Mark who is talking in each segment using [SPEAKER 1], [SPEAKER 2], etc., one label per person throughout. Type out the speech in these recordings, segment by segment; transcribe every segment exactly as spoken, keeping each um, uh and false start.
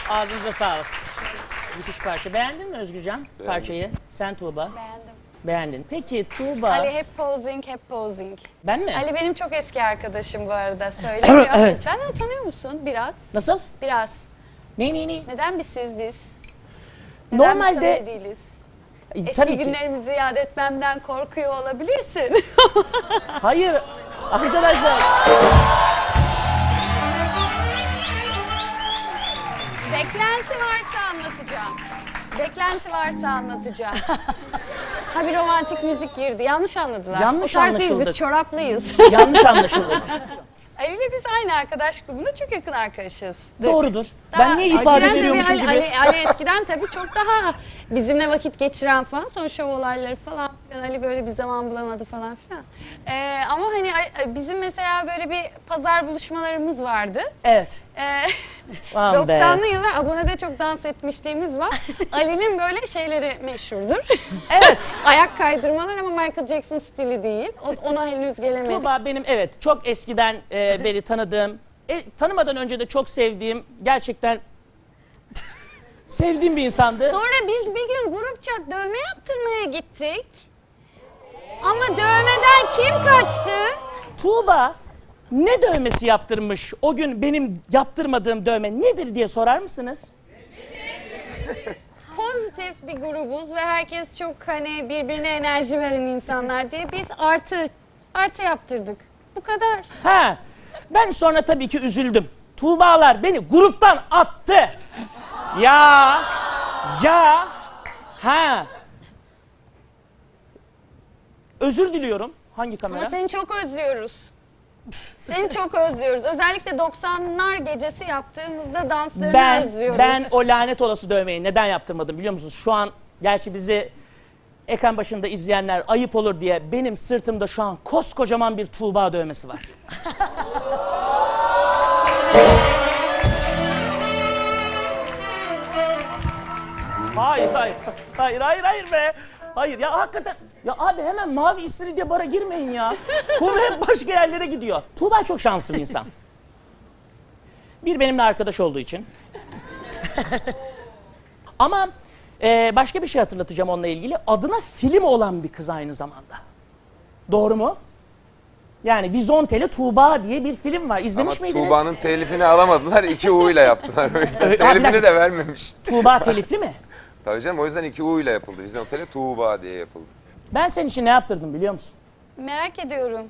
[SPEAKER 1] Ağzınıza sağlık. Müthiş parça. Beğendin mi Özgürcan
[SPEAKER 2] Beğendim.
[SPEAKER 1] parçayı? Sen Tuğba.
[SPEAKER 3] Beğendim.
[SPEAKER 1] Beğendin. Peki Tuğba.
[SPEAKER 3] Ali hep posing, hep posing.
[SPEAKER 1] Ben mi?
[SPEAKER 3] Ali benim çok eski arkadaşım bu arada. Söylemiyor.
[SPEAKER 1] Evet.
[SPEAKER 3] Sen de tanıyor musun? Biraz.
[SPEAKER 1] Nasıl?
[SPEAKER 3] Biraz.
[SPEAKER 1] Ne ne ne?
[SPEAKER 3] Neden biz siz biz? Neden
[SPEAKER 1] Normalde
[SPEAKER 3] biz öyle değiliz?
[SPEAKER 1] E,
[SPEAKER 3] Eski
[SPEAKER 1] tabii ki.
[SPEAKER 3] günlerimizi yad etmemden korkuyor olabilirsin.
[SPEAKER 1] Hayır. Arkadaşlar.
[SPEAKER 3] Beklenti varsa anlatacağım. Beklenti varsa anlatacağım. Ha bir romantik müzik girdi. Yanlış anladılar.
[SPEAKER 1] Yanlış
[SPEAKER 3] o tarz değil,
[SPEAKER 1] anlaşıldı.
[SPEAKER 3] biz çoraplıyız.
[SPEAKER 1] Yanlış anlaşıldı.
[SPEAKER 3] Ali ile biz aynı arkadaş grubunda çok yakın arkadaşız.
[SPEAKER 1] Doğrudur.
[SPEAKER 3] Daha
[SPEAKER 1] Ben niye ifade
[SPEAKER 3] eskiden tabii
[SPEAKER 1] veriyormuşum
[SPEAKER 3] Ali,
[SPEAKER 1] gibi?
[SPEAKER 3] Ali, Ali eskiden tabii çok daha bizimle vakit geçiren falan. Sonra şov olayları falan. filan, Ali böyle bir zaman bulamadı falan filan. Ee, ama hani bizim mesela böyle bir pazar buluşmalarımız vardı.
[SPEAKER 1] Evet.
[SPEAKER 3] Ee,
[SPEAKER 1] Aman be.
[SPEAKER 3] doksanlı yıllar abonede çok dans etmişliğimiz var. Ali'nin böyle şeyleri meşhurdur. Evet. Ayak kaydırmalar ama Michael Jackson stili değil. O- Ona henüz gelemedik.
[SPEAKER 1] Tuğba benim evet çok eskiden e, beri tanıdığım, e, tanımadan önce de çok sevdiğim, gerçekten sevdiğim bir insandı.
[SPEAKER 3] Sonra biz bir gün grupça dövme yaptırmaya gittik. Ama dövmeden kim kaçtı?
[SPEAKER 1] Tuğba ne dövmesi yaptırmış o gün benim yaptırmadığım dövme nedir diye sorar mısınız?
[SPEAKER 3] Pozitif bir grubuz ve herkes çok hani birbirine enerji veren insanlar diye biz artı artı yaptırdık. Bu kadar.
[SPEAKER 1] Ha, ben sonra tabii ki üzüldüm. Tuğbalar beni gruptan attı. Ya, ya, ha. Özür diliyorum. Hangi kamera?
[SPEAKER 3] Ama seni çok özlüyoruz. Seni çok özlüyoruz. Özellikle doksanlar gecesi yaptığımızda danslarını
[SPEAKER 1] Ben,
[SPEAKER 3] özlüyoruz.
[SPEAKER 1] ben o lanet olası dövmeyi neden yaptırmadım biliyor musunuz? Şu an gerçi bizi ekran başında izleyenler ayıp olur diye benim sırtımda şu an koskocaman bir Tuğba dövmesi var. Hayır, hayır, hayır, hayır, hayır be. Hayır ya hakikaten. Ya abi hemen mavi istiridye bara girmeyin ya. Konu hep başka yerlere gidiyor. Tuğba çok şanslı bir insan. Bir benimle arkadaş olduğu için. Ama e, başka bir şey hatırlatacağım onunla ilgili. Adına film olan bir kız aynı zamanda. Doğru mu? Yani Vizontele Tuğba diye bir film var. İzlemiş
[SPEAKER 2] Ama
[SPEAKER 1] miydiniz?
[SPEAKER 2] Tuğba'nın telifini alamadılar, iki U ile yaptılar. O yüzden
[SPEAKER 1] Öyle-
[SPEAKER 2] telifini de vermemiş.
[SPEAKER 1] Tuğba telifli mi?
[SPEAKER 2] Tabii canım, o yüzden iki U ile yapıldı. Vizyon Oteli Tuğba diye yapıldı.
[SPEAKER 1] Ben senin için ne yaptırdım biliyor musun?
[SPEAKER 3] Merak ediyorum.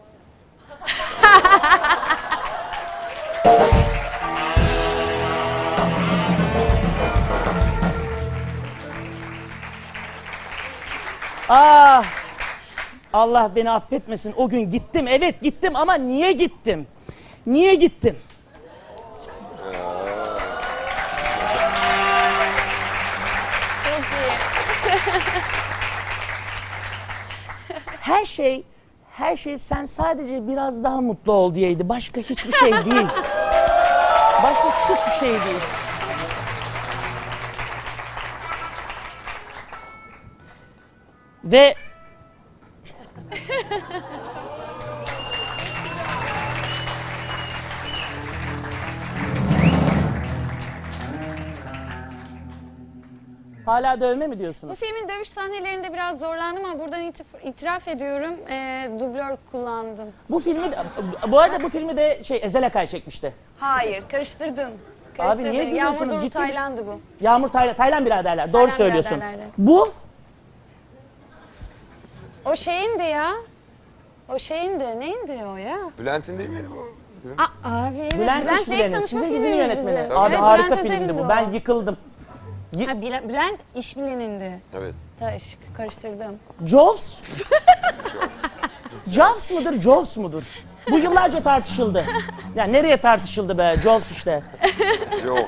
[SPEAKER 1] Ah! Allah beni affetmesin. O gün gittim. Evet gittim ama niye gittim? Niye gittim?
[SPEAKER 3] Çok iyi.
[SPEAKER 1] Her şey, her şey sen sadece biraz daha mutlu ol diyeydi. Başka hiçbir şey değil. Başka hiçbir şey değil. Ve hala dövme mi
[SPEAKER 3] Bu
[SPEAKER 1] diyorsunuz?
[SPEAKER 3] filmin dövüş sahnelerinde biraz zorlandım ama buradan itif- itiraf ediyorum. E, dublör kullandım.
[SPEAKER 1] Bu filmi de, bu arada bu filmi de şey Ezel Akay çekmişti.
[SPEAKER 3] Hayır, karıştırdın.
[SPEAKER 1] Abi
[SPEAKER 3] Karıştırdın.
[SPEAKER 1] niye gülüyorsunuz?
[SPEAKER 3] Yağmur Duru
[SPEAKER 1] Ciddi-
[SPEAKER 3] Taylan'dı bu.
[SPEAKER 1] Yağmur Taylan, Taylan biraderler. Doğru
[SPEAKER 3] Taylan
[SPEAKER 1] söylüyorsun.
[SPEAKER 3] biraderlerdi.
[SPEAKER 1] Bu
[SPEAKER 3] O şeyindi ya. O şeyindi. Neyindi o ya?
[SPEAKER 2] Bülent'in değil miydi bu? Bizim-
[SPEAKER 3] Aa, abi evet.
[SPEAKER 1] Bülent
[SPEAKER 3] Bülent
[SPEAKER 1] İşbilen'in,
[SPEAKER 3] Tanışma
[SPEAKER 1] çizgi dizinin
[SPEAKER 3] filmimiz
[SPEAKER 1] yönetmeni.
[SPEAKER 3] bizim.
[SPEAKER 1] Abi
[SPEAKER 3] Evet,
[SPEAKER 1] harika
[SPEAKER 3] Bülent
[SPEAKER 1] filmdi
[SPEAKER 3] Özel'indi
[SPEAKER 1] bu.
[SPEAKER 3] o.
[SPEAKER 1] Ben yıkıldım. Y-
[SPEAKER 3] Ha, Bülent, Bülent İşbilen'indi.
[SPEAKER 2] Evet.
[SPEAKER 3] Taş, karıştırdım.
[SPEAKER 1] Jaws? Jaws mıdır, Jaws mudur? Bu yıllarca tartışıldı. Ya nereye tartışıldı be? Jaws işte.
[SPEAKER 2] Yok.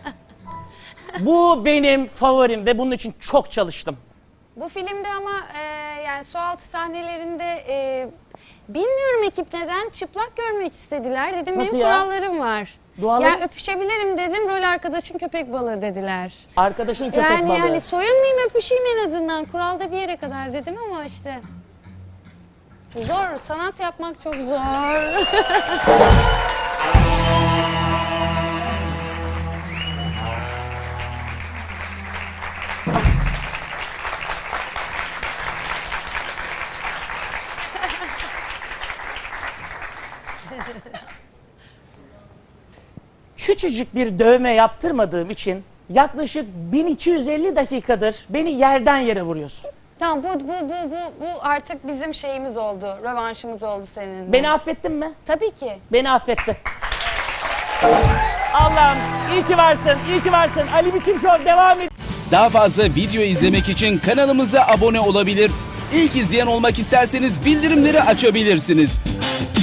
[SPEAKER 1] Bu benim favorim ve bunun için çok çalıştım.
[SPEAKER 3] Bu filmde ama e, yani sualtı sahnelerinde e, bilmiyorum ekip neden çıplak görmek istediler. Dedim
[SPEAKER 1] Nasıl
[SPEAKER 3] benim
[SPEAKER 1] ya?
[SPEAKER 3] kurallarım var.
[SPEAKER 1] Duaları-
[SPEAKER 3] Yani öpüşebilirim dedim. Rol arkadaşın köpek balığı dediler.
[SPEAKER 1] Arkadaşın köpek
[SPEAKER 3] yani
[SPEAKER 1] balığı.
[SPEAKER 3] yani soyunmayayım öpüşeyim en azından. Kuralda bir yere kadar dedim ama işte. Zor. Sanat yapmak çok zor.
[SPEAKER 1] Küçücük bir dövme yaptırmadığım için yaklaşık bin iki yüz elli dakikadır beni yerden yere vuruyorsun.
[SPEAKER 3] Tamam bu, bu, bu, bu, bu artık bizim şeyimiz oldu. Rövanşımız oldu seninle.
[SPEAKER 1] Beni affettin mi?
[SPEAKER 3] Tabii ki.
[SPEAKER 1] Beni affetti. Allah'ım iyi ki varsın, iyi ki varsın. Ali Biçim Show devam ediyor.
[SPEAKER 4] Daha fazla video izlemek için kanalımıza abone olabilir. İlk izleyen olmak isterseniz bildirimleri açabilirsiniz.